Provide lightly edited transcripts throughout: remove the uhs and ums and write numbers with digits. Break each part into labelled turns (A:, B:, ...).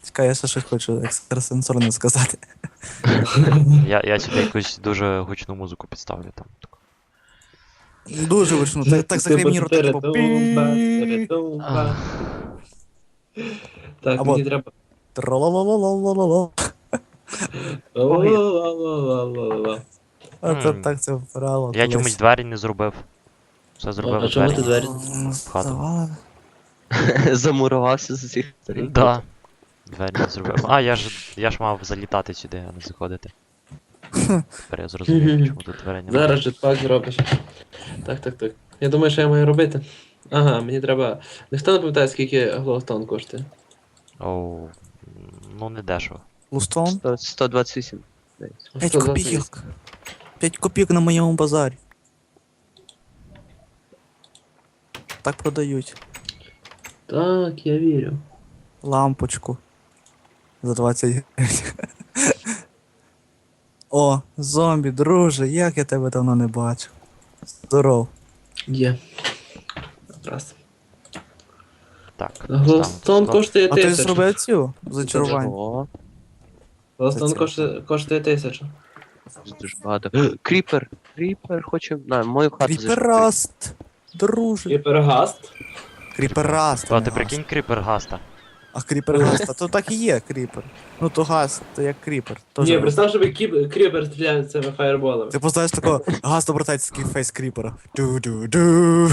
A: Чекай, я ще щось хочу екстрасенсорно сказати.
B: Я сюди якусь дуже гучну музику підставлю там.
A: Дуже вичну. Так закрий мені рота, типу. пі.
B: Ах,
C: Так,
A: Або
C: мені треба.
A: тралалалалалала.
C: Ла-ла-ла-ла-ла-ла-ла.
A: А це
B: М.
A: так це вбирало.
B: Я чомусь двері не зробив. Все зробив
C: А чому
B: двері.
C: ти двері?
B: В хату.
C: Замурувався з усіх сторін.
B: Да. Двері не зробив. А, я ж мав залітати сюди, а не заходити. Тепер я зрозумів, чому тут двері немає.
C: Зараз жетпак зробиш. Так. Я думаю, що я маю робити. Ага, мені треба. Ніхто не пам'ятає, скільки глоустон коштує.
B: Оу. Ну не дешево.
A: Лустон?
C: 128.
A: 5 копійок. 5 копійок на моєму базарі. Так продають.
C: Так, я вірю.
A: Лампочку. За 20 гривень. О, зомбі, друже, як я тебе давно не бачив. Здоров.
C: Є. Раз.
B: Так.
C: Глоустон
B: ставимо тут
C: коштує
A: А ти
C: 1000.
A: зробив цю зачарування?
C: О. Глоустон
A: Це
C: коштує 1000.
D: Дуже багато. Кріпер! Кріпер хоче. На, мою хату зайшов.
A: Кріпераст. Друже.
C: Гіпергаст.
A: Кріпераст.
B: А
A: не
B: ти
A: гаст.
B: прикинь кріпер гаста.
A: А кріпергаст, а то так і є кріпер. Ну то гаст, то як кріпер. Тоже.
C: Ні, представ, щоб кріпер стріляє цими фаєрболами.
A: Ти поставиш такого гаст обертається такий фейс кріпера. Ду-ду-ду.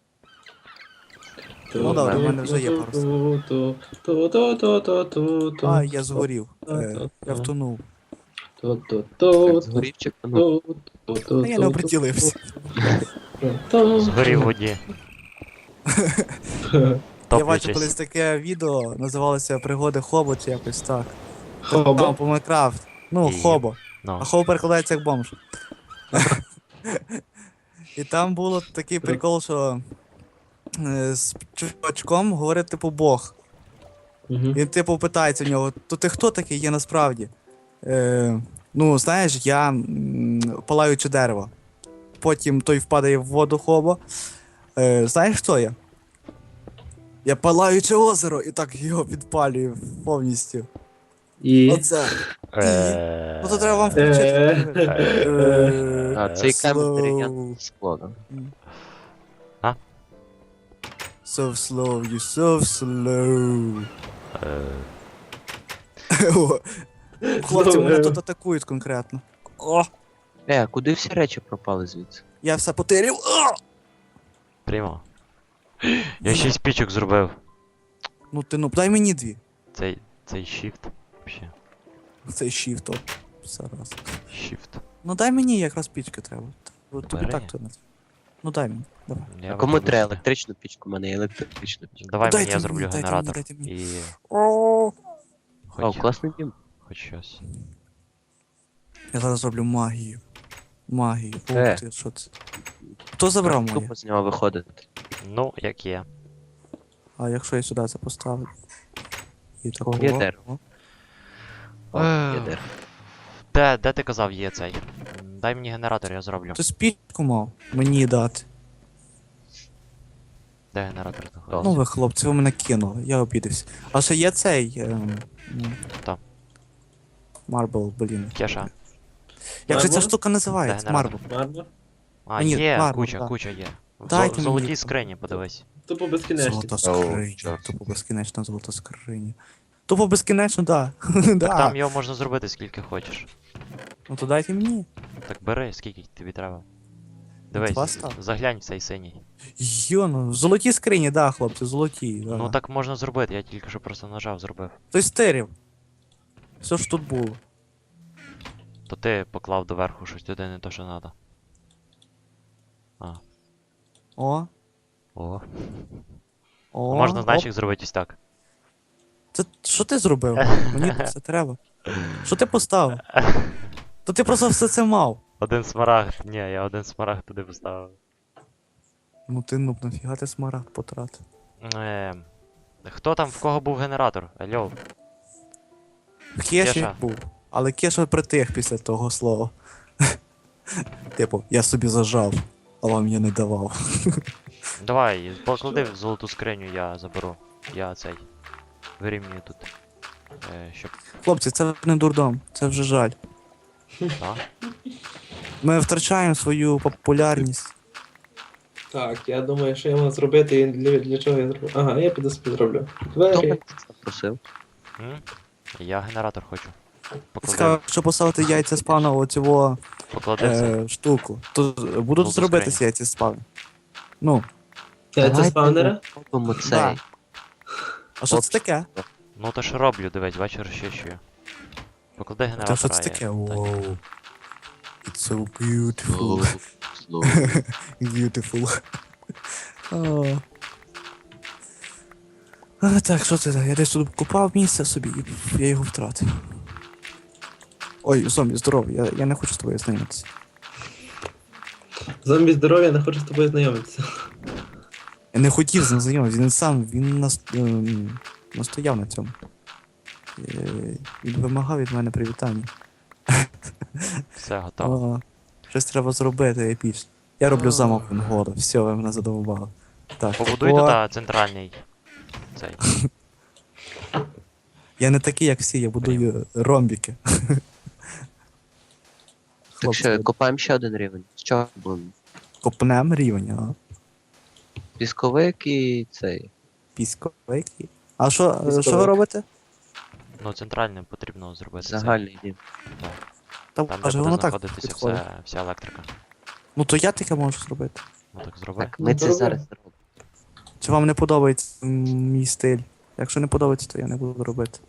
A: Ну да, у мене вже є пару. А, я згорів. Я втонув.
D: Згорів чи ну,
A: А я не оприділився.
B: Згорів в воді.
A: Я бачив колись
B: Топлячись.
A: таке відео, називалося Пригоди Хобо чи якось так.
C: Хобо?
A: Там по Майнкрафт. Ну,
B: І-
A: Хобо.
B: Ну.
A: А Хобо перекладається як бомж. І там було такий прикол, що з чувачком говорить, типу, Бог. Він, типу, питається в нього, то ти хто такий є насправді? Ну, знаєш, я палаюче дерево. Потім той впадає в воду Хобо. Знаєш, хто я? Я палаюче озеро, і так його підпалюю повністю.
C: І...
A: Оце. Ну то треба вам
C: Е.
A: включити.
D: А, цей камінь
A: Slow.
D: дерев'яне скло, да?
A: So slow, you so slow.
B: Е,
A: О, хлопці мене тут атакують конкретно. О,
D: А куди всі речі пропали звідси?
A: я все потеряв. О!
B: Прямо. Я 6 пічок зробив.
A: Ну ти ну дай мені дві.
B: Цей shift. Вообще.
A: Цей shift, оп. Зараз.
B: Shift.
A: Ну дай мені якраз пічки треба. Тобі
B: Бери.
A: так то не. Ну дай мені. Давай.
B: Я
D: А кому
B: вироблю
D: треба
B: собі.
D: електричну пічку? У мене є електрична пічка.
B: Давай
A: Дайте
B: мені, я
A: мені,
B: зроблю
A: дайте
B: генератор.
A: мені, дайте мені.
B: І
A: О,
D: О,
B: хоч,
D: класний дім.
B: хоч щось.
A: я зараз зроблю магію. Магію. Ух
D: Е.
A: ти, що це? Хто забрав моє?
D: Тупо з нього виходити.
B: Ну, як є.
A: А якщо я сюди це поставлю? І такого.
D: Є дерево. О, є дерево.
B: Де ти казав є цей? Дай мені генератор, я зроблю.
A: Ти спічку мав мені дати.
B: Де генератор
D: О.
B: знаходиться?
A: Ну ви, хлопці, ви мене кинули, я обідався. А ще є цей.
B: Хто?
A: Марбл, блін.
B: Кеша.
A: Як же ця
C: Марбл?
A: штука називається?
B: Де
A: Марбл.
C: Марно?
B: А,
A: Мені
B: є,
A: ладно,
B: куча,
A: да.
B: куча є. В
A: Дайте
B: в золотій
A: мені.
B: скрині, подивись.
C: Тупо безкінечно.
A: Золота скриня.
D: чорт.
A: Тупо безкінечна золота скриня. Тупо безкінечно, да.
B: Так
A: Да.
B: там його можна зробити скільки хочеш.
A: Ну то дайте мені.
B: Так бери, скільки тобі треба.
A: Два
B: Дивись,
A: став.
B: заглянь в цей синій.
A: Йо, ну, золоті скрині, да, хлопці, золоті. Да.
B: Ну так можна зробити, я тільки що просто нажав, зробив.
A: Той стерів. Все ж тут було.
B: То ти поклав доверху щось туди не то, що треба.
A: О.
B: О.
A: О.
B: Можна
A: оп.
B: значок зробити ось так.
A: Це що ти зробив? Мені це треба. Що ти поставив? То ти просто все це мав.
B: Один смарагд. Ні, я один смарагд туди поставив.
A: Ну ти нуб, нафіга ти смарагд потратив.
B: Хто там, в кого був генератор? Алло.
A: Кеші
B: Кеша.
A: був. Але Кеша притих після того слова. Типу, я собі зажав, а вам я не давав.
B: Давай, поклади в золоту скриню, я заберу. Я цей. Вирівнюю тут. Щоб.
A: Хлопці, це не дурдом, це вже жаль.
B: Так?
A: Ми втрачаємо свою популярність.
C: Так, я думаю, що я мав зробити і для чого я зроблю. Ага, я піду собі зроблю.
D: Хто мене
C: Двері.
D: запросив?
B: М? Я генератор хочу.
A: Цікаво, якщо поставити яйця спавна оцього
B: Поклади це.
A: штуку, то будуть
B: Ну,
A: зробитися
B: скрині.
A: яйця спавн. Ну,
C: Яйця
D: Давайте
C: спавнера?
D: Робимо
A: Да.
D: цей.
A: а що це таке?
B: Ну то ж роблю, дивись, бачу, розчищую. Поклади
A: Та
B: генератор.
A: що це таке? Воу. It's so beautiful.
D: Слово.
A: Beautiful. О. А, так, що це? Я десь тут купав місце собі, і я його втратив. Ой, зомбі, здорово, я не хочу з тобою знайомитися.
C: Зомбі здоров'я, не хочу з тобою знайомитися.
A: Я не хотів з ним знайомитися, він сам, настояв на цьому. Він вимагав від мене привітання.
B: Все, готово.
A: О, щось треба зробити епічно. Я роблю замок вгору, все, ви мене задовбали. Так,
B: Побудуй туди центральний. Цей.
A: я не такий, як всі, я будую ромбіки.
D: Так що, копаємо ще один рівень. З чого будемо?
A: Копнем рівень, а?
D: Пісковик і цей.
A: Пісковики. А що ви
C: Пісковик.
A: робите?
B: Ну, центральним потрібно зробити. цей.
D: Загальний рівень.
A: Та
B: Там, де
A: каже,
B: буде
A: воно так
B: знаходитися
A: підходить.
B: вся електрика.
A: Ну то я таке можу зробити.
B: Ну так зроби.
D: Так, ми
C: Ну,
D: це
C: добре.
D: зараз зробимо.
A: Чи вам не подобається мій стиль? Якщо не подобається, то я не буду робити.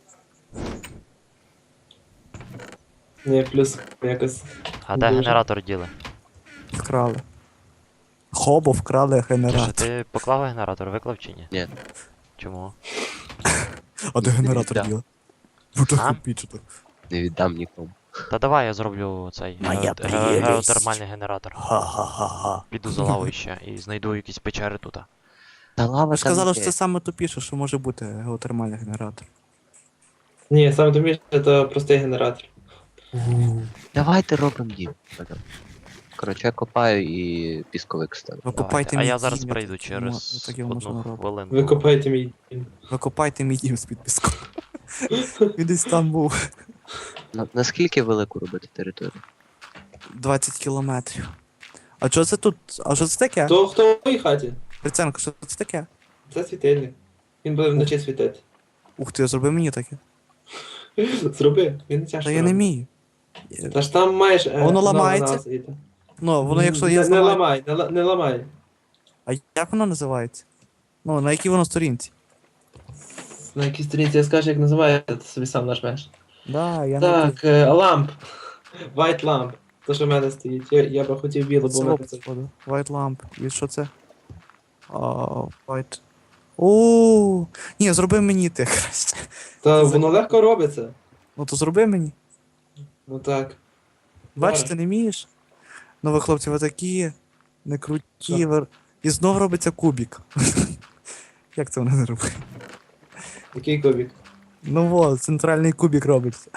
C: Ні, плюс якось.
B: А де
C: Дуже.
B: генератор діли?
A: Вкрали. Хобо вкрали
B: Чи
A: генератор.
B: ти поклав генератор, виклав чи ні?
D: Ні.
B: Чому?
A: А де генератор
D: Да.
A: діла? Ну так
B: А?
A: епічно.
D: Не віддам нікому.
B: Та давай я зроблю цей
A: Моя прелість.
B: геотермальний генератор.
A: Ха-ха-ха-ха.
B: Піду за лавою ще і знайду якісь печери тут.
D: Та лава
A: Ви ж
D: там
A: казали,
D: є.
A: що це саме тупіше, що може бути геотермальний генератор.
C: Ні, саме туміше, це простий генератор.
D: Давайте робимо дім. Коротше, я копаю і пісковик ставлю.
A: Ви
B: Давайте.
A: копайте
B: А
A: мій
B: я зараз
A: дім,
B: прийду
A: я так-
B: через
A: я так його можна
B: одну
A: робити.
B: хвилинку.
C: Ви копаєте мій дім.
A: Ви копайте мій дім з-під піску. Він десь там був.
D: Наскільки велику робити територію?
A: 20 кілометрів. А що це тут? А що це таке?
C: То хто в моїй хаті?
A: Приценко, що це таке?
C: Це світильник. Він буде вночі світити.
A: Ух ти, зроби мені таке.
C: Зроби, він не тяжко.
A: Та я не вмію.
C: Та ж там маєш.
A: Воно ламається? Ну, воно якщо я
C: Не
A: зламаю.
C: ламай, не ламай.
A: А як воно називається? Ну, на якій воно сторінці?
C: На якій сторінці я скажу, як називається, ти собі сам нажмеш.
A: Да, я не
C: Так, ламп. White lamp. То, що в мене стоїть. Я би хотів білу, бо в мене це.
A: White lamp. І що це? White. О, ні, зроби мені ти краще.
C: Та воно легко робиться.
A: Ну то зроби мені.
C: Ну так.
A: Бачите, не вмієш? Ну ви, хлопці, ви такі не круті.
C: Що?
A: І знов робиться кубік. Як це вони не роблять?
C: Який кубик?
A: Ну во, центральний кубік робиться.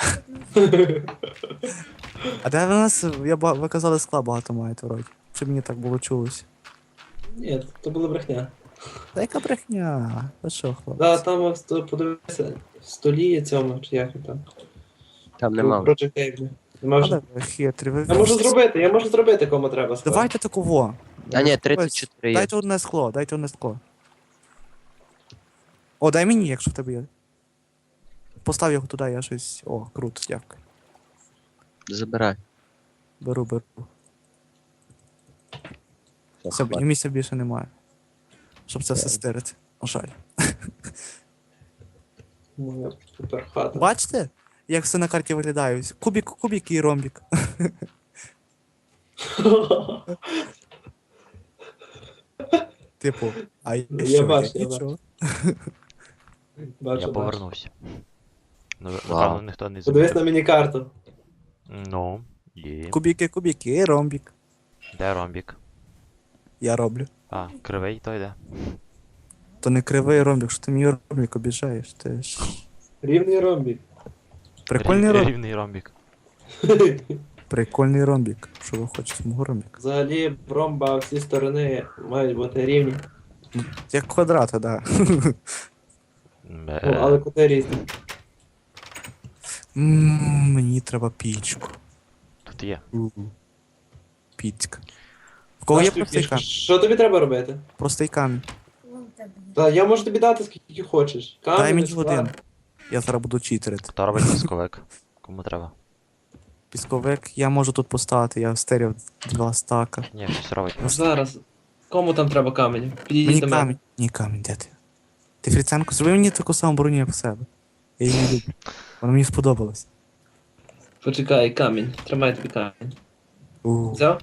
A: А де ви нас, ви казали, скла багато маєте вроді. Чи мені так було чулося?
C: Ні, то була брехня.
A: Та яка брехня? Та що, хлопці?
C: Да, там подивися, в столі цьому, чи як він там.
D: Там нема.
C: Project Table. Нема
A: Але
C: вже.
A: ви хитрі, ви...
C: Я можу зробити, кому треба. склад.
A: Давайте такого.
D: А ні, 34 є.
A: Дайте одне скло, дайте одне скло. О, дай мені, якщо в тебе є. Постав його туди, я щось. О, круто, дякую.
D: Забирай.
A: Беру.
D: Все,
A: Все,
D: хватить.
A: і місця більше немає. Щоб це все стирити. О, жаль.
C: Моя супер хата.
A: Бачите, як все на карті виглядає? Кубік і ромбік. Типу, а
C: Я
A: що,
C: бачу, я
A: нічого?
C: Бачу,
B: Я
C: бачу.
B: повернувся. Ну,
D: Вау.
B: напевно, ніхто не
C: Подивись
B: замітив.
C: на міні-карту.
B: Ну, є.
A: Кубіки і ромбік.
B: Де ромбік?
A: Я роблю.
B: А, кривий то йде.
A: То не кривий ромбік, що ти мій ромбік обіжаєш. Ти ж...
C: Рівний ромбік.
A: Прикольний ромбік.
B: Рівний ромбік.
A: Прикольний ромбік. Що ви хочете з мого ромбіка?
C: Взагалі, ромба всі сторони мають бути рівні.
A: Як квадрати, да.
C: Ну, але кути різні.
A: Мені треба пічку.
B: Тут є.
A: Піцька. В кого є
C: Наш тобі
A: простий
C: пішка.
A: камінь?
C: Що тобі треба робити?
A: Простий камінь.
C: Та я можу тобі дати скільки хочеш.
A: Дай
C: Камінь,
A: мені
C: склад.
A: один. Я зараз буду читерити.
B: Хто робить пісковик? Кому треба?
A: Пісковик я можу тут поставити, я стерів 2 стака.
B: Ні, щось робить.
C: Зараз. Кому там треба камінь? Підійдіть
A: Мені
C: до мене.
A: камінь. Ні, камінь, де ти? Ти Фріценко, зроби мені таку саму броню, як в себе. Я її не люблю. Вона мені сподобалась.
C: Почекай, камінь. Тримай тобі камінь. Взяв?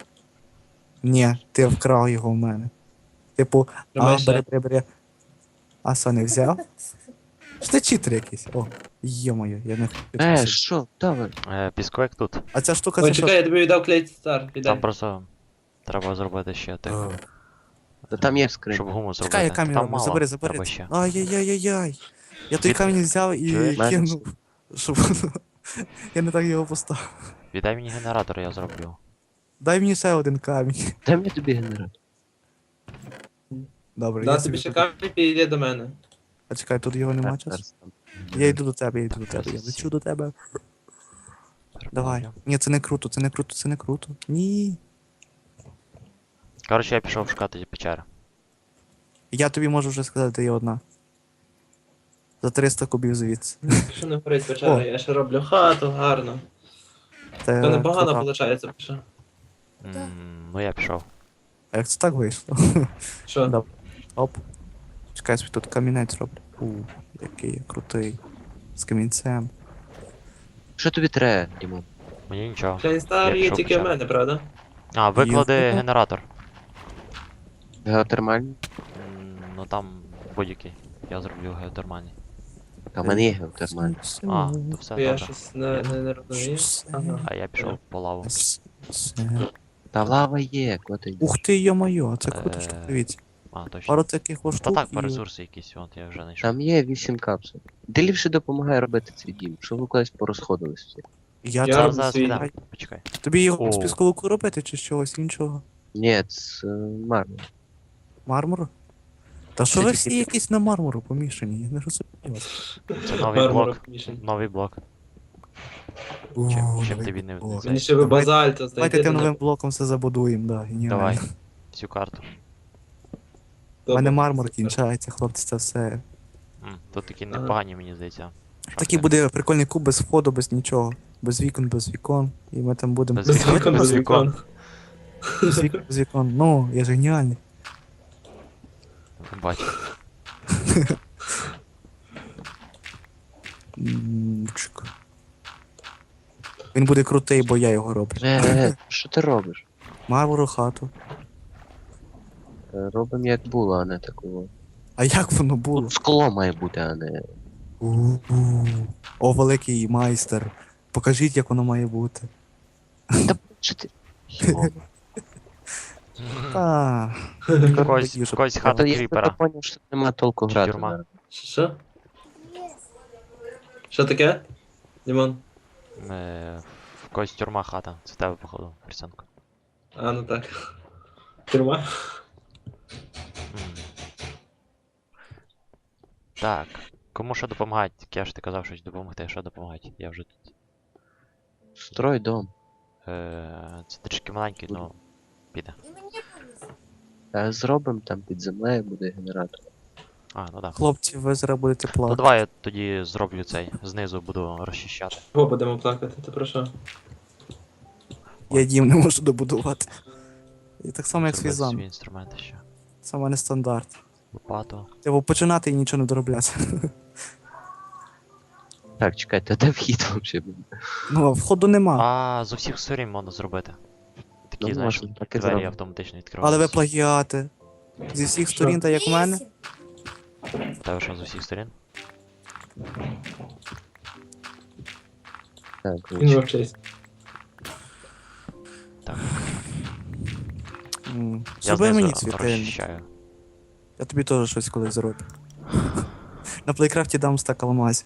A: Ні, ти вкрав його в мене. Типу,
C: Тримай ще.
A: бери. А що, не взяв? Що ти читер якийсь? О, йо-моє, я не хотів.
D: Що? Давай.
B: Пісковик тут.
A: А ця штука
C: Ой,
A: це
C: чекай,
A: що?
C: я тобі віддав клей стар.
B: Там
C: Віддай.
B: просто треба зробити ще тих.
D: Та там є скринь.
B: Щоб гуму зробити.
A: Чекай, я камінь
B: Там
A: роблю,
B: мало.
A: забери.
B: Треба ще.
A: Ай-яй-яй-яй-яй. Я той
B: Від-
A: камінь взяв і
B: Чуєш?
A: кинув. Щоб я не так його поставив.
B: Віддай мені генератор, я зроблю.
A: Дай мені ще один камінь.
D: Дай мені тобі генератор.
A: Добре,
C: Да,
A: я
C: тобі
A: собі
C: ще
A: тут-
C: камінь, підійди до мене.
A: А чекай, тут його нема
D: Так,
A: часу.
D: зараз там.
A: Я йду до тебе, я лечу до тебе. Давай. Ні, це не круто. Ні.
B: Коротше, я пішов шукати печери.
A: Я тобі можу вже сказати, де є одна. За 300 кубів звідси.
C: Що не горить печера,
A: О.
C: я ще роблю хату, гарно.
A: Це
C: То непогано
A: крута.
C: виходить, пише.
B: Ну я пішов.
A: А як це так вийшло?
C: Що?
A: Да. Оп. Чекай, я собі тут камінець роблю. Який я крутий. З камінцем.
D: Що тобі треба, Дімон?
B: Мені нічого.
C: Клей стар
B: Я
C: є
B: пішов
C: тільки в
B: печеру.
C: мене, правда?
B: А, виклади
A: Є.
B: генератор.
D: Геотермальний?
B: Ну там будь-який. Я зроблю геотермальний.
D: Та в мене є геотермальний.
B: А, то все
C: Я
B: добре.
C: щось не розумію. Ага.
B: А я пішов по лаву.
D: Та лава є, коти.
A: Ух ти, йо-моє, це круто, що дивіться.
B: А, точно.
A: Пару таких ось
B: Та
A: штук
B: так,
A: і-
B: по ресурси якісь, от я вже знайшов.
D: Там є 8 капсул. Де ліпше допомагає робити цей дім, щоб ви колись порозходились всі.
A: Я
C: Я
A: там
C: роблю
B: Зараз
C: свій.
B: підемо. Почекай.
A: Тобі його
B: О.
A: з пісковику робити чи з чогось іншого?
D: Ні, це мармур.
A: Мармуру? Та що
D: Це
A: ви
D: такі
A: всі
D: типу-
A: якісь на мармуру помішані? Я не розумію вас.
B: Це новий
C: Мармура
B: блок.
C: помішаний.
B: Новий блок. Чим тобі не
A: блок.
B: цей?
C: Мені ще ви
A: Давай-
C: базальт
A: Давайте
C: знайти.
A: тим новим блоком все забудуємо, да, геніально.
B: Давай. Всю карту.
A: У мене мармур кінчається, хлопці, це все.
B: Тут такі
C: Ага.
B: непогані, мені здається.
A: Такий буде прикольний куб без входу, без нічого. Без вікон. І ми там будемо.
B: Без
C: Без вікон, без вікон.
A: Без вікон. Ну, я ж геніальний.
B: Бачу.
A: Чик. Він буде крутий, бо я його роблю.
D: Що ти робиш?
A: Мармуру хату.
D: Робимо як було, а не такого.
A: А як воно було?
D: Тут скло має бути, а не.
A: У-у. О, великий майстер. Покажіть, як воно має бути.
D: Та що ти? Йо.
A: Та.
B: Когось хата
D: Та я
B: кріпера.
D: поняв, що нема толку
B: Чи
D: грати.
B: тюрма?
D: зараз.
C: Що? Що таке? Дімон?
B: В когось тюрма хата. Це в тебе, походу, Фрісенко.
C: А, ну так. Тюрма?
B: Так. Кому що допомагати? Кеш, ти казав щось допомогти. Що допомагати? Я вже тут.
D: Строй дом.
B: Це трішки маленький, ну піде.
D: Зробимо там під землею буде генератор.
B: А, ну так.
A: Хлопці, ви зараз будете
B: Ну
A: плакати.
B: давай я тоді зроблю цей. Знизу буду розчищати.
C: Кого будемо плакати? Ти про що?
A: Я дім не можу добудувати. І так само, як свій
B: Зробити свої
A: замок.
B: інструменти ще.
A: Це в мене стандарт.
B: Лопату.
A: Типу починати і нічого не доробляти.
D: Так, чекайте, де вхід взагалі буде?
A: Ну, а входу нема.
B: А, з усіх сторін можна зробити. Такі,
D: Ну,
B: знаєш,
D: можна, так і
B: двері
D: зробимо.
B: автоматично
A: Але
B: відкриваються.
A: ви плагіати. Зі всіх
C: Що?
A: сторін, так як в мене.
B: У тебе що з усіх сторін?
D: Так,
C: Він вовчись.
B: Так. Я
A: Зроби мені
B: знизу
A: світильник.
B: розчищаю.
A: Я тобі теж щось колись зроблю. На плейкрафті дам стак алмазів.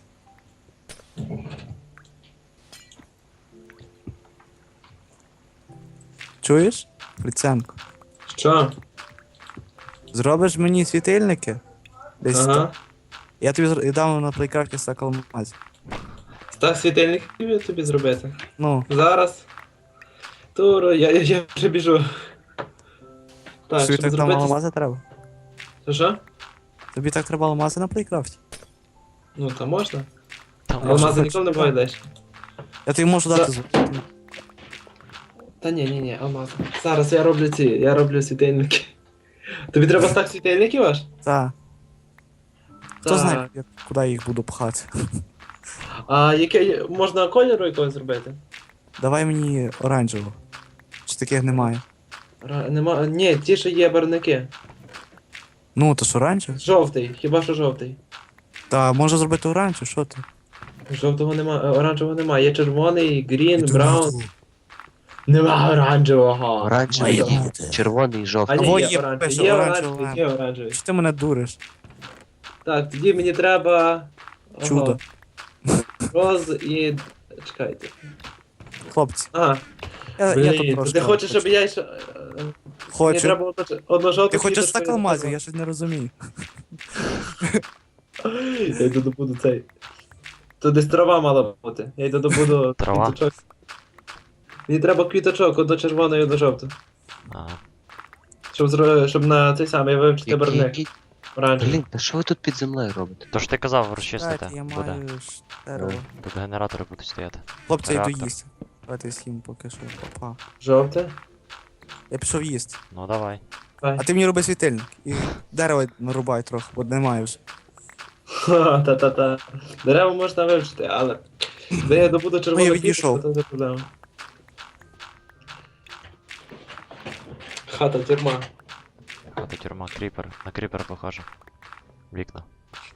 A: Чуєш? Фріценко.
C: Що?
A: Зробиш мені світильники? Десь
C: Ага.
A: так. Я тобі дам на плейкрафті стак алмазів.
C: стак світильників тобі зробити.
A: Ну,
C: Зараз. Туро, я вже біжу. Так,
A: тобі
C: щоб
A: так там
C: зробити...
A: алмази треба.
C: Що?
A: Тобі так треба алмази на плейкрафті.
C: Ну, та можна.
B: Там
A: що
C: Алмази
A: хочеш,
C: ніколи не
A: так.
C: буває далі.
A: Я тобі можу дати
C: За-
A: золото.
C: Та ні, алмази. Зараз я роблю світильники. Тобі треба стак світильників аж?
A: Так. Хто
C: Так.
A: знає, куди я їх буду пхати.
C: А яке можна кольору якогось зробити?
A: Давай мені оранжевого. Чи таких немає?
C: Нема. Ні, ті, що є барвники.
A: Ну, то ж оранжевий.
C: Жовтий, хіба що жовтий.
A: Та можна зробити оранжевий, що ти?
C: Жовтого нема, оранжевого нема. Є червоний, грін,
A: Іду
C: браун.
A: наверху.
C: Нема оранжевого.
D: Оранжевий,
A: Має
D: і
A: бути.
D: червоний, і
C: А
D: жовтий.
C: ні,
A: Або
C: є
A: є,
C: оранжевий,
A: пише,
C: є
A: оранжевий.
C: оранжевий, є оранжевий.
A: Що ти мене дуриш?
C: Так, тоді мені треба... Ага,
A: Чудо.
C: Роз і... Чекайте.
A: Хлопці,
C: Ага,
A: я
C: блін,
A: тут
C: то
A: трошки.
C: ти хочеш, щоб я ще... Мені
A: Хочу.
C: треба одну жовту
A: Ти хочеш
C: квіточку
A: стак
C: і
A: алмазів?
C: одну.
A: Я щось не розумію.
C: Я йду добуду цей. Тут десь трава мала бути. Я йду добуду
B: Трава?
C: квіточок. Мені треба квіточок, одну червону і одну жовту.
B: Ага.
C: Щоб на цей самий вивчити барвник.
D: Який?
C: Оранжевий.
D: Блін, та що ви тут під землею робите?
B: То ж ти казав, розчистити.
A: Дайте, я
B: Буде.
A: маю ж дерево.
B: Тут генератори будуть стояти.
A: Хлопці, я йду
B: Реактор.
A: їсти. Давайте з'їм поки що. Опа.
C: Жовте.
A: Я пішов їсти.
B: Ну давай.
C: Давай.
A: А ти мені роби світильник. І дерево нарубай трохи, бо немає вже.
C: Ха, та-та-та. Дерева можна вивчити, але... Де я добуду червону
A: Ну, я відійшов.
C: квіточку, то не проблема. Хата, тюрма.
B: Хата, тюрма, кріпер. На кріпер похоже. Вікна.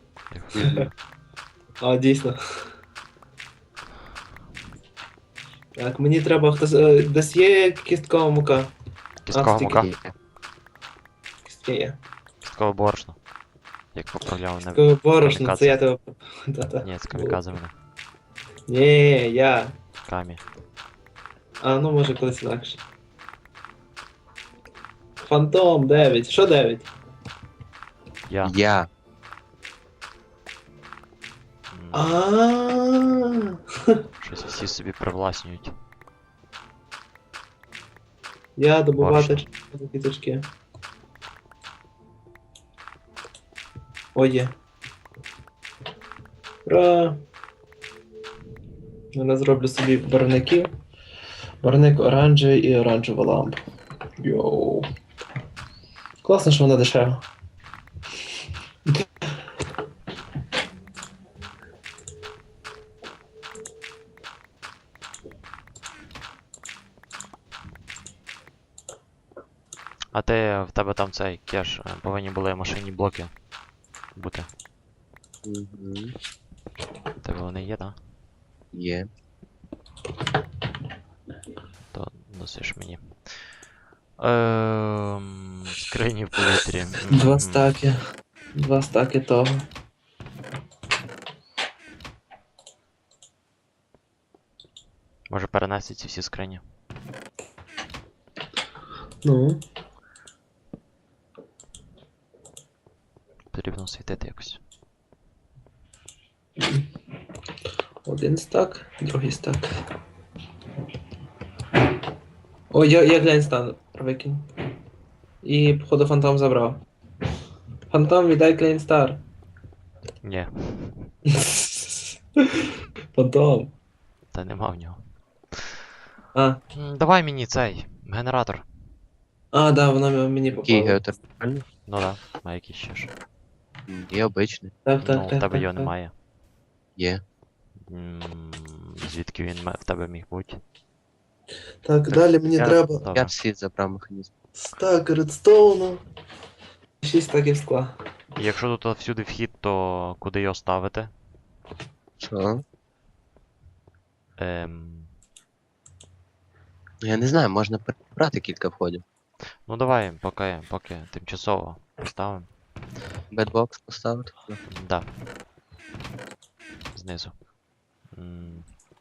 C: А, дійсно. Так, мені треба хтось... Десь є кісткова мука.
B: Кісткова
C: стільки
B: мука.
C: є. Кістки є.
B: Кісткове борошно. Як поправляв не
C: Кісткове борошно,
B: камікадзе.
C: це я тебе... Та-та.
B: Ні, це камікадзе мене.
C: Ні, я.
B: Камі.
C: А, ну може колись інакше. Фантом 9. Що 9?
B: Я.
D: Я.
B: М,
C: А.
B: Щось всі собі привласнюють.
C: Я добувати
B: Борошно.
C: червоні квіточки. О, є. Ура! Я зроблю собі барвників. Барвник оранжевий і оранжева лампа. Йоу. Класно, що вона дешева.
B: А ти в тебе там цей кеш, повинні були машинні блоки бути.
D: Мгм.
B: В тебе вони є, так?
D: Є.
B: То носиш мені. Скрині в повітрі.
C: Два стаки. Два стаки того.
B: Може перенести ці всі скрині.
C: Ну.
B: Потрібно світити якось.
C: Один стак, другий стак. О, я глянь стан викинь. І, походу, фантом забрав. Фантом, віддай Клейнстар.
B: Ні,
C: Фантом.
B: та нема в нього.
C: А,
B: Давай мені цей генератор.
C: да, воно мені
D: Який
C: попало.
D: геотермальний?
B: Ну да, а який ще ж.
D: Є обичний.
C: Так, так,
B: Ну, в
C: так.
B: тебе
C: так,
B: його
C: так.
B: немає.
D: Є.
B: Звідки він в тебе міг бути?
C: Так, далі мені
D: я-
C: треба
B: Добре.
D: Я всі забрав механізм.
C: стак редстоуну. 6 стаків скла.
B: І якщо тут всюди вхід, то куди його ставити?
D: Що?
B: Ем...
D: Я не знаю, можна перебрати кілька входів.
B: Ну давай, поки тимчасово ставимо.
D: Бедбокс поставити.
B: Да. Знизу. М.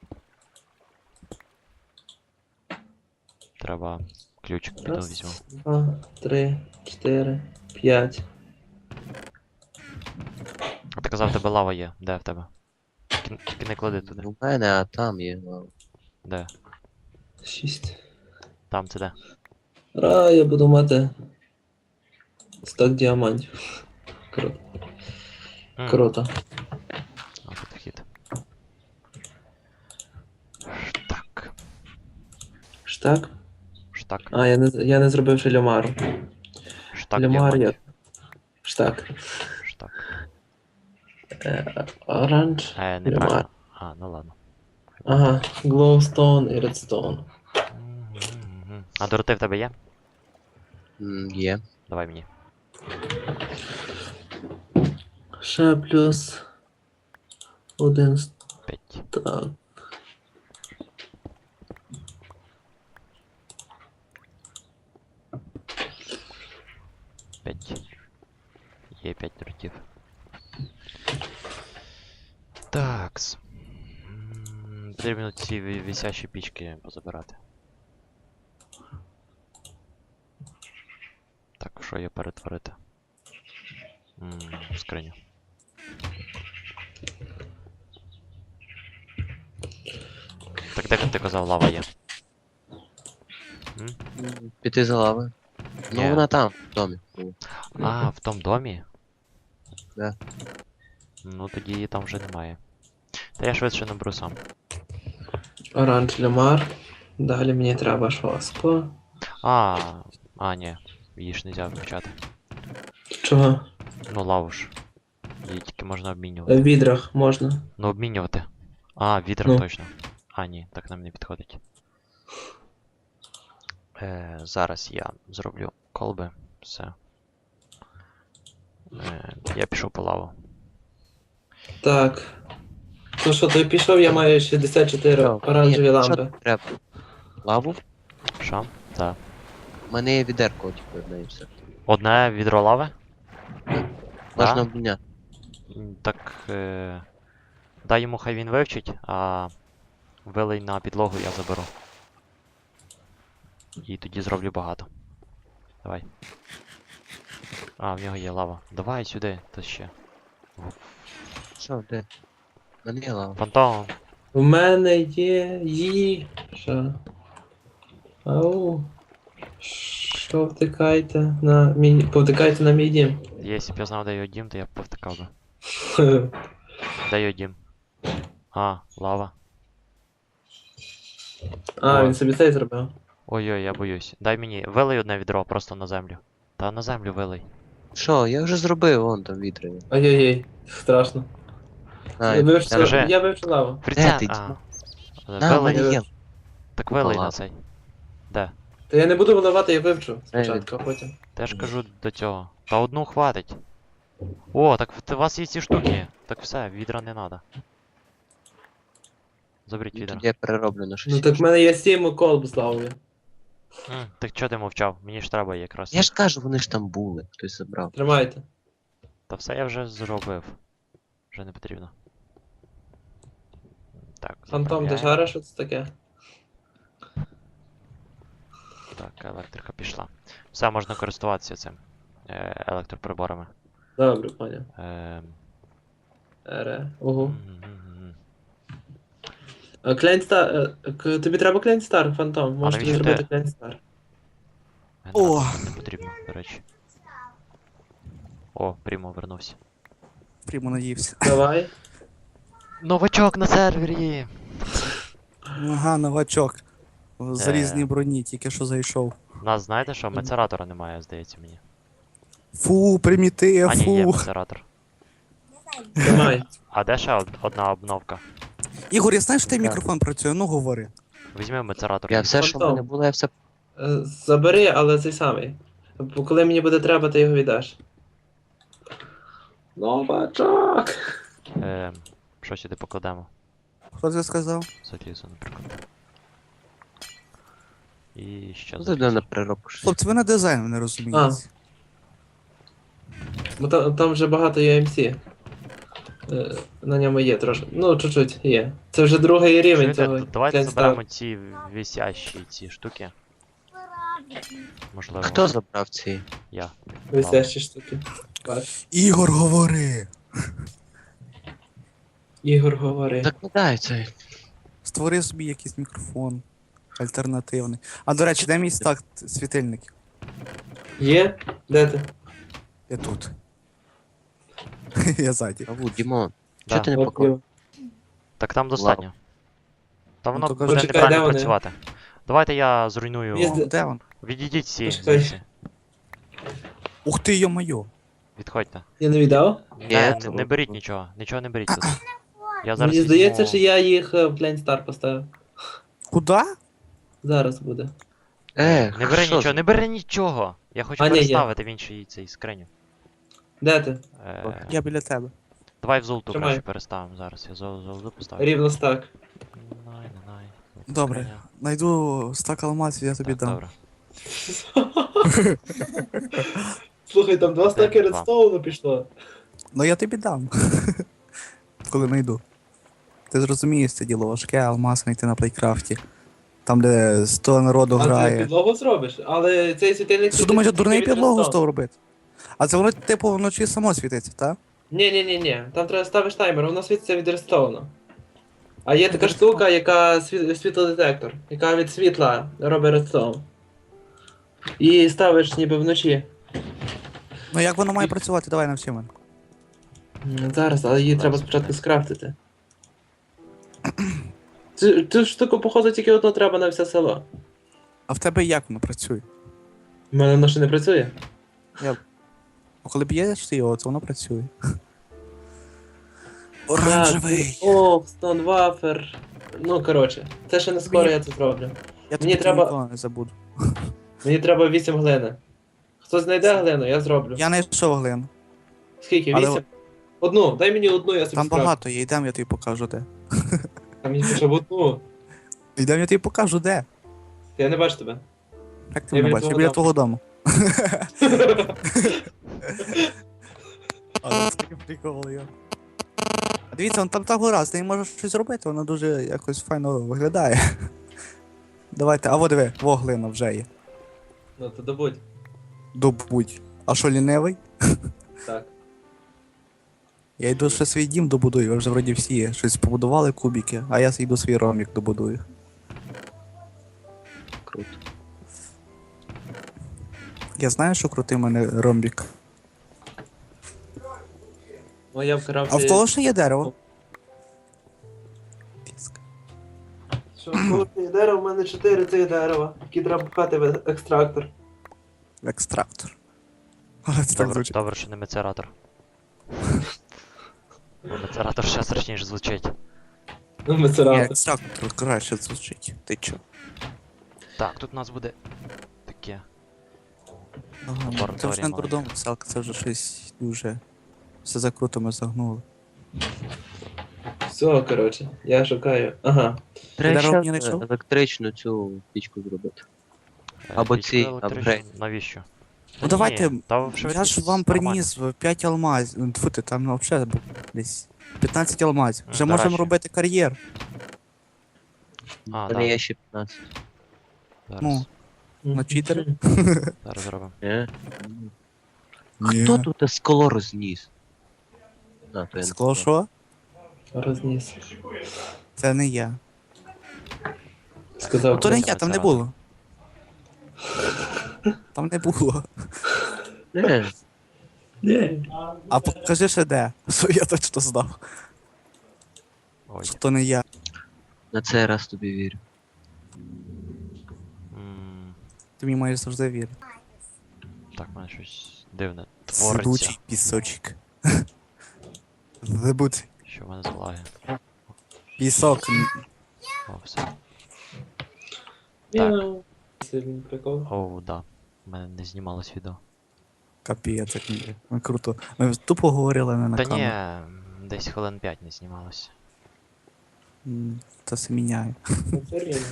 B: Треба ключик піду
C: Раз,
B: візьму.
C: 2, 3, 4, 5.
B: А ти казав, в тебе лава є. Де в тебе? Тільки не клади туди.
D: У мене, а там є.
B: Де?
C: 6.
B: Там це де?
C: Я буду мати 100 діамантів. Круто.
B: М,
C: Круто.
B: А, тут вхід. Штак.
C: Штак?
B: Штак.
C: Я не зробив ще лямару.
B: Штак
C: Лямар я.
B: діамантів.
C: Штак.
B: Штак.
C: Оранж. Лямар.
B: Неправильно. А, ну ладно.
C: Ага, глоустоун і редстоун.
B: Мгм. А дороти в тебе є?
D: Є.
B: Давай мені.
C: Ще плюс 1
B: 5.
C: стак.
B: Є 5 дротів. Такс. Потрібно ці висящі пічки позабирати. Так, що є перетворити? Скриню. Так де ти казав, лава є?
D: Піти за лавою.
B: Ні.
D: Ну вона там, в домі.
B: А, в тому домі?
D: Да.
B: Ну тоді її там вже немає. Та я швидше наберу сам.
C: Оранж лямар. Далі мені треба шваско.
B: Ні. Її ж нельзя включати.
C: Чого?
B: Ну лаву ж. Її тільки можна
C: В
B: обмінювати.
C: відрах можна.
B: Ну обмінювати. А, відрах
C: Ну.
B: точно. Ні, так нам не підходить. Зараз я зроблю колби. Все. Я пішов по лаву.
C: Так. Ну що, той пішов, я маю 64 оранжеві
D: Ні,
C: лампи.
D: що треба? Лаву?
B: Що? Так.
D: У мене є відерко, типу, одне і все.
B: Одне відро лави?
D: Можна
B: Да?
D: обміняти.
B: Так. Дай йому, хай він вивчить, а вилий на підлогу я заберу. І тоді зроблю багато. Давай. В нього є лава. Давай сюди, то ще.
D: Що, де? У мене є лава.
B: Фантом.
C: У мене є їжа. Ау. Що втикайте на мій. Повтикайте на мій дім.
B: Якщо б я знав, де його дім, то я б повтикав би. Де його дім? Лава.
C: Він собі цей зробив.
B: Ой-ой, я боюсь. Дай мені. Вилий одне відро просто на землю. Та на землю вилий.
D: Що, я вже зробив, вон там вітри.
C: Ой-ой-ой, страшно.
B: Скажи.
C: Я вивчу лаву.
B: Фріця.
D: ти,
B: На,
D: в
B: вилий.
D: мене є.
B: Так вилий на
D: лава.
B: цей. Де?
C: Та я не буду виливати, я вивчу спочатку, а потім.
B: Та ж кажу до цього. Та одну хватить. О, так у вас є ці штуки. Так все, відра не треба. Заберіть відра.
D: Тоді я перероблю на щось.
C: Ну так в мене є 7 колб з лавою.
B: Так чого ти мовчав? Мені ж треба якраз.
D: Я ж кажу, вони ж там були, хтось забрав.
C: Тримайте.
B: Та все я вже зробив. Вже не потрібно. Так,
C: Фантом, ти
B: заправляємо.
C: жариш, що це таке?
B: Так, електрика пішла. Все, можна користуватися цим електроприборами.
C: Добре, поняв.
B: Ем,
C: Ого.
B: мгм.
C: Клейнстар. Тобі треба Клейнстар, Фантом. Можеш тобі
B: навіщо
C: зробити
B: ти?
C: Клейнстар.
B: Генератор нам не потрібно, до речі. О, Прімо вернувся.
A: Прямо наївся.
C: Давай.
B: Новачок на сервері!
A: Ага, новачок. В залізній броні, тільки що зайшов.
B: У нас, знаєте що, мецератора немає, здається мені.
A: Фу, примітив,
B: Ні, є
A: фу.
B: мецератор.
C: Тримай.
B: А де ще одна обновка?
A: Ігор, я знаю, що твій
D: Так.
A: мікрофон працює, ну говори.
B: Візьми мецератор.
D: Я все, що в мене було, я все.
C: Забери, але цей самий. Бо коли мені буде треба, ти його віддаш. Новачок!
B: Що сюди покладемо?
A: Хто це сказав?
B: Залізо, наприклад. І що
D: Ну,
B: за
D: ти до на переробку щось.
A: Хлопці, ви на дизайн не розумієте.
C: Бо там вже багато UMC. На ньому є трошки. Ну, чуть-чуть є. Це вже другий рівень
B: Чуєте,
C: цього.
B: давайте
C: Клейнстар.
B: заберемо ці висящі ці штуки. Можливо,
D: Хто забрав ці?
B: я.
C: Висящі штуки. Бач.
A: Ігор, говори!
C: Ігор говори.
D: Закладай цей.
A: Створи собі якийсь мікрофон. Альтернативний. А до речі, де мій стак світильників?
C: Є? Де ти?
A: Я тут. Я ззаді.
D: Аву, Дімон,
B: Да.
D: чого ти не
C: От
D: покажеш?
C: його.
B: Так там достатньо. Та воно
A: то
B: буде
A: кажи.
C: Почекай, де
B: неправильно
C: вони?
B: працювати. Давайте я зруйную.
C: Є
A: О, де він?
B: Відійдіть всі
C: Почекай.
B: звідси.
A: Ух ти, йо-моє.
B: Відходьте.
C: Я не віддав?
B: Не беріть нічого. Нічого не беріть тут. Я зараз
C: Мені здається,
B: візьму-
C: що я їх в Plain Star поставив.
A: Куда?
C: Зараз буде.
B: Не бери
D: що
B: нічого, не бери нічого. Я хочу
C: А, ні, є.
B: переставити в інший цей скриню.
C: Де ти?
A: Я біля тебе.
B: Давай в золоту
C: Тримай.
B: краще переставимо зараз. Я золоту поставлю.
C: Рівно стак.
B: Най.
A: Добре.
B: Скриня.
A: Найду стак алмазів, я тобі
B: Так,
A: дам.
B: добре.
C: Слухай, там 2 стаки
B: Два.
C: редстоуну пішло.
A: Ну я тобі дам. Коли найду. Ти зрозумієш, це діло важке, алмаз знайти на плейкрафті. Там, де 100 народу
C: А ти
A: грає.
C: підлогу зробиш, але цей світильник...
A: Ти що думаєш, я дурний
C: від
A: підлогу
C: редстоуну.
A: став робити? А це воно, типу, вночі само світиться, так?
C: Ні. Там треба ставиш таймер, воно світиться від редстоуну. А є така штука, яка світлодетектор, яка від світла робить редстоун. І ставиш ніби вночі.
A: Ну як воно має працювати? Давай навчи мене.
C: Зараз, але її треба спочатку скрафтити. Цю штуку, походу, тільки одну треба на все село.
A: А в тебе як воно працює?
C: У мене воно ще не працює.
A: Ну, коли б'єш ти його, то воно працює. Оранжевий.
C: О, Stone Wafer. Ну, коротше, це ще не скоро я це зроблю.
A: Я тобі
C: треба-
A: ніколи не забуду.
C: Мені треба 8 глини. Хто знайде глину, я зроблю.
A: Я не йшов глину.
C: Скільки?
A: Але-
C: 8? Одну, дай мені одну, я собі
A: Там
C: скрафтю.
A: багато є, йдем, я тобі покажу де.
C: Там мені хоча б одну.
A: Йдем, я тобі покажу де.
C: Я не бачу тебе.
A: Як ти
C: Я
A: мене
C: біля
A: бачиш? Я
C: твого
A: біля твого дому. А це такий прикол, я. А дивіться, вон там та гора, з нею можна щось зробити, вона дуже якось файно виглядає. Давайте, а во диви, во глина вже є.
C: Ну, то добудь.
A: Добудь. А що лінивий?
C: Так.
A: Я йду ще свій дім добудую, ви вже вроді всі щось побудували кубики, а я йду свій ромік добудую.
D: Круто.
A: Я знаю, що крутий в мене ромбік.
C: Ну, я вкрав.
A: А в кого ще є дерево? Піска.
C: Що, коли є дерево, в мене 4 цих дерева, які треба пхати в екстрактор.
A: Екстрактор. Але це так звучить.
B: Добре, що не мецератор. Бо мецератор ще страшніше звучить.
C: Ну,
A: Ні,
C: мецератор.
A: екстрактор краще звучить. Ти чо?
B: Так, тут у нас буде таке.
A: Ага, це
B: Лабораторія
A: вже не
B: маленька.
A: дурдом, селка, це вже щось дуже. Все закруто ми загнули.
C: Все, коротше, я шукаю. Ага.
D: Треба
A: дерево
D: ще
A: не знайшов?
D: електричну цю пічку зробити.
B: Е,
D: Або
B: пічку
D: ці
B: електричну.
D: апгрейд.
B: Навіщо?
A: Ну давайте,
B: Та
A: я ж вам приніс 5 алмазів. Тьфу ти, там взагалі десь 15 алмазів. Вже
B: До
A: можемо
B: речі.
A: робити кар'єр.
B: А,
D: У мене є ще 15.
B: Зараз,
A: Ну. На читери?
B: зараз зробимо.
D: Ні?
A: Ні.
D: Хто тут скло розніс? А, то я не
A: Скло
D: знаю.
A: що?
C: Розніс.
A: Це не я.
C: Сказав.
A: Ну то не
B: це
A: я, там не
B: це
A: було. Там не було.
D: Ні.
C: Ні.
A: А покажи ще де. Що я точно знав.
B: Ой.
A: Що то не я.
D: На цей раз тобі вірю.
B: М,
A: Ти мені маєш завжди вірити.
B: Так, в мене щось дивне твориться.
A: Сидучий пісочок. Забудь.
B: Що в мене за лаги?
A: Пісок.
B: О, все.
C: Мяу. Сильний прикол.
B: Оу, да. У мене не знімалось відео.
A: Капець, як ні. Ну, круто. Ми тупо говорили не на
B: Та
A: камеру.
B: ні, десь хвилин 5 не знімалося.
A: Це все міняє.
C: Ну, це рівно.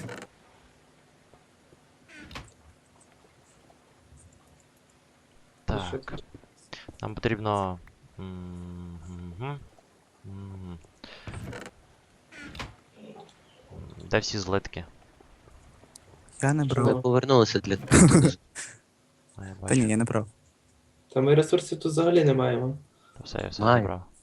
B: Так. Нам потрібно. Мгм. Мгм. Де всі злитки?
A: Я не
D: Ми
A: брав.
D: повернулися для
B: А, я
A: Та
B: бачу.
A: ні, я не брав.
C: Та ми ресурсів тут взагалі не маємо.
B: Та все, я все
D: Маю.
B: забрав.